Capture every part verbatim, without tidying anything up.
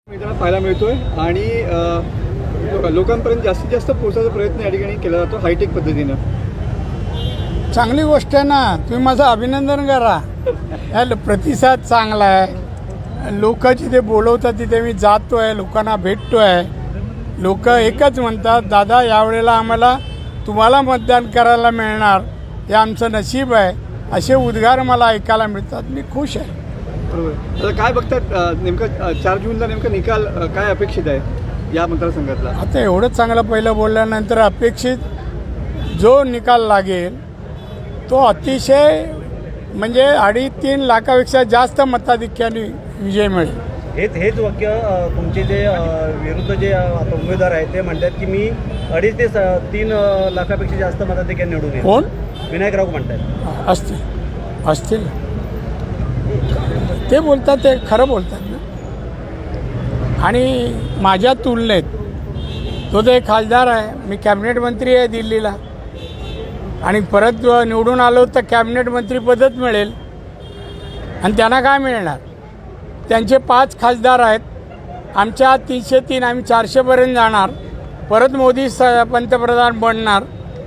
मैदानात पाहायला मिळतोय आणि अ, लोकांपर्यंत जास्तीत जास्त पोहोचायचा प्रयत्न या ठिकाणी केला जातो हायटेक पद्धतीनं. चांगली गोष्ट आहे ना, तुम्ही माझं अभिनंदन करा. याला प्रतिसाद चांगला आहे. लोक जिथे बोलवतात तिथे मी जातो आहे, लोकांना भेटतो आहे. लोक एकच म्हणतात, दादा यावेळेला आम्हाला तुम्हाला मतदान करायला मिळणार, हे आमचं नशीब आहे, असे उद्गार मला ऐकायला मिळतात. मी खुश आहे. बरोबर. आता काय बघतात अ, नेमकं अ, चार जूनला नेमका निकाल अ, काय अपेक्षित आहे या मतदारसंघातला? आता एवढं चांगलं पहिलं बोलल्यानंतर अपेक्षित जो निकाल लागेल तो अतिशय म्हणजे अडीच तीन लाखापेक्षा जास्त मताधिक्याने विजय मिळेल. हेच हेच वाक्य अ, तुमचे जे अ, विरुद्ध जे अ, आता उमेदवार आहेत ते म्हणतात की मी अडीच ते स- तीन अ, लाखापेक्षा जास्त मताधिक्याने निवडून येईल. कोण? विनायक राऊत म्हणतात. असतील असतील ते बोलतात, ते खरं बोलतात ना. आणि माझ्या तुलनेत तो तर एक खासदार आहे, मी कॅबिनेट मंत्री आहे दिल्लीला, आणि परत निवडून आलो तर कॅबिनेट मंत्रीपदच मिळेल. आणि त्यांना काय मिळणार? त्यांचे पाच खासदार आहेत, आमच्या तीनशे तीन, आम्ही चारशेपर्यंत जाणार, परत मोदी स पंतप्रधान बनणार.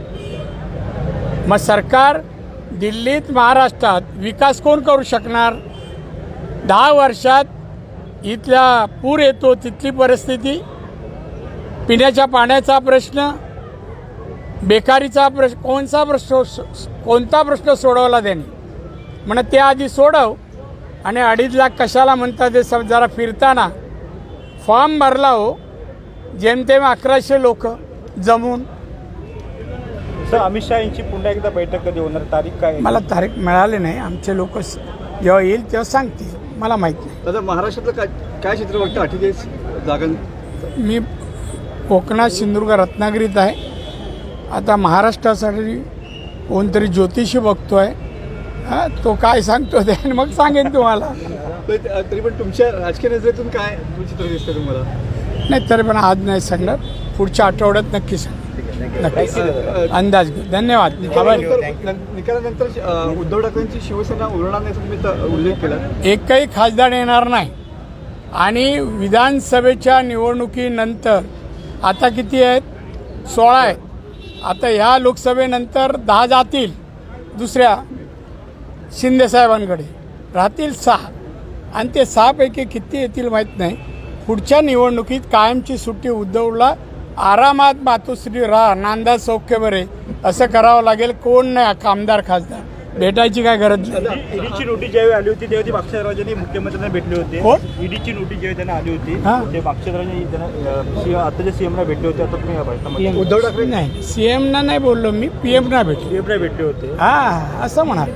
मग सरकार दिल्लीत महाराष्ट्रात विकास कोण करू शकणार? दहा वर्षात इथला पूर येतो, तिथली परिस्थिती, पिण्याच्या पाण्याचा प्रश्न, बेकारीचा प्रश्न, कोणता प्रश्न कोणता प्रश्न सोडवला त्यांनी? म्हणा ते आधी सोडव. आणि अडीच लाख कशाला म्हणतात ते सब जरा फिरताना फॉर्म भरला हो, जेमतेम अकराशे लोक जमून. सर, अमित शहा यांची पुन्हा एकदा बैठक कधी होणार, तारीख काय? मला तारीख मिळाली नाही. आमचे लोक जेव्हा येईल तेव्हा सांगतील, मला माहीत नाही. आता महाराष्ट्रातलं काय काय चित्र बघतं अठ्ठेचाळीस जागां? मी कोकणात सिंधुदुर्ग रत्नागिरीत आहे. आता महाराष्ट्रासाठी कोणतरी ज्योतिषी बघतो आहे, हां तो काय सांगतो ते आणि मग सांगेन तुम्हाला. तर तरी पण तुमच्या राजकीय नजरेतून काय चित्र दिसतं तुम्हाला? नाही तरी पण आज नाही सांगणार, पुढच्या आठवड्यात नक्की सांग. नक्की अंदाज घेऊ. धन्यवाद. आभारी. निकालानंतर निकालानंतर अ, उद्धव ठाकरेंची शिवसेना उरणार नाही तुम्ही तर उल्लेख केला. एकही खासदार येणार नाही. आणि विधानसभेच्या निवडणुकीनंतर आता किती आहेत? सोळा आहेत. आता ह्या लोकसभेनंतर दहा जातील दुसऱ्या शिंदेसाहेबांकडे, राहतील सहा. आणि ते सहापैकी किती येतील माहीत नाही. पुढच्या निवडणुकीत कायमची सुट्टी उद्धवला आरामात मातोश्री राहा, नांदा सौख्य बरे असं करावं लागेल. कोण नाही आमदार खासदार, भेटायची काय गरज नाही. ईडीची नोटीस ज्यावेळी आली होती तेव्हा ती मागच्या मुख्यमंत्र्यांना भेटले होते. कोण? ईडीची नोटीस ज्यावेळी त्यांना आली होती हां. ते मागच्या आताच्या सीएमला भेटले होते. आता तुम्ही भेटता उद्धव ठाकरे नाही, सी एमना नाही बोललो मी, पी एमना भेटलो. सीएमला भेटले होते. हां असं म्हणाल.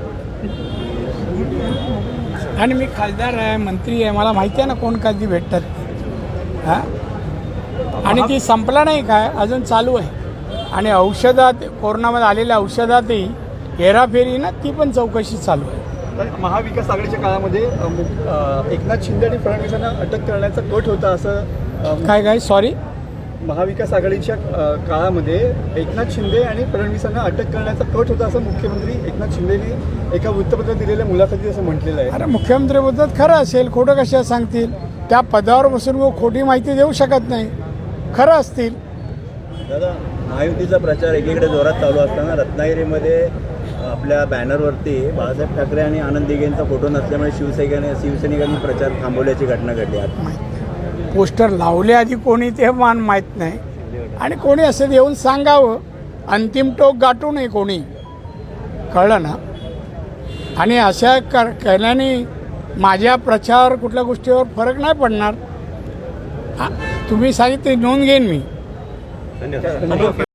आणि मी खासदार आहे, मंत्री आहे, मला माहिती आहे ना कोण कधी भेटतात. हां. आणि ती संपला नाही काय, अजून चालू आहे. आणि औषधात, कोरोनामध्ये आलेल्या औषधातही हेराफेरी ना, ती पण चौकशी चालू आहे. तर महाविकास आघाडीच्या काळामध्ये अ, मु- अ, एकनाथ शिंदे आणि फडणवीसांना अटक करण्याचा कट होता असं अ, काय काय सॉरी महाविकास आघाडीच्या अ, काळामध्ये एकनाथ शिंदे आणि फडणवीसांना अटक करण्याचा कट होता असं मुख्यमंत्री एकनाथ शिंदेने एका वृत्तपत्रात दिलेल्या मुलाखतीत असं म्हटलेलं आहे. अरे मुख्यमंत्रीबद्दल खरं असेल, खोटं कशा सांगतील? त्या पदावर बसून वो खोटी माहिती देऊ शकत नाही. खरं असतील. दादा, महायुतीचा प्रचार एकीकडे जोरात चालू असताना रत्नागिरीमध्ये आपल्या बॅनरवरती बाळासाहेब ठाकरे आणि आनंद दिघेंचा फोटो नसल्यामुळे शिवसैनिकांनी शिवसैनिकांनी प्रचार थांबवल्याची घटना घडली आहे. माहीत पोस्टर लावले आधी कोणी ते मान माहीत नाही. आणि कोणी असं येऊन सांगावं, अंतिम टोक गाठू नये कोणी, कळलं ना. आणि अशा कर केल्याने माझ्या प्रचार कुठल्या गोष्टीवर फरक नाही पडणार. हा, तुम्ही सांगितले नोंद घेईन मी. धन्यवाद.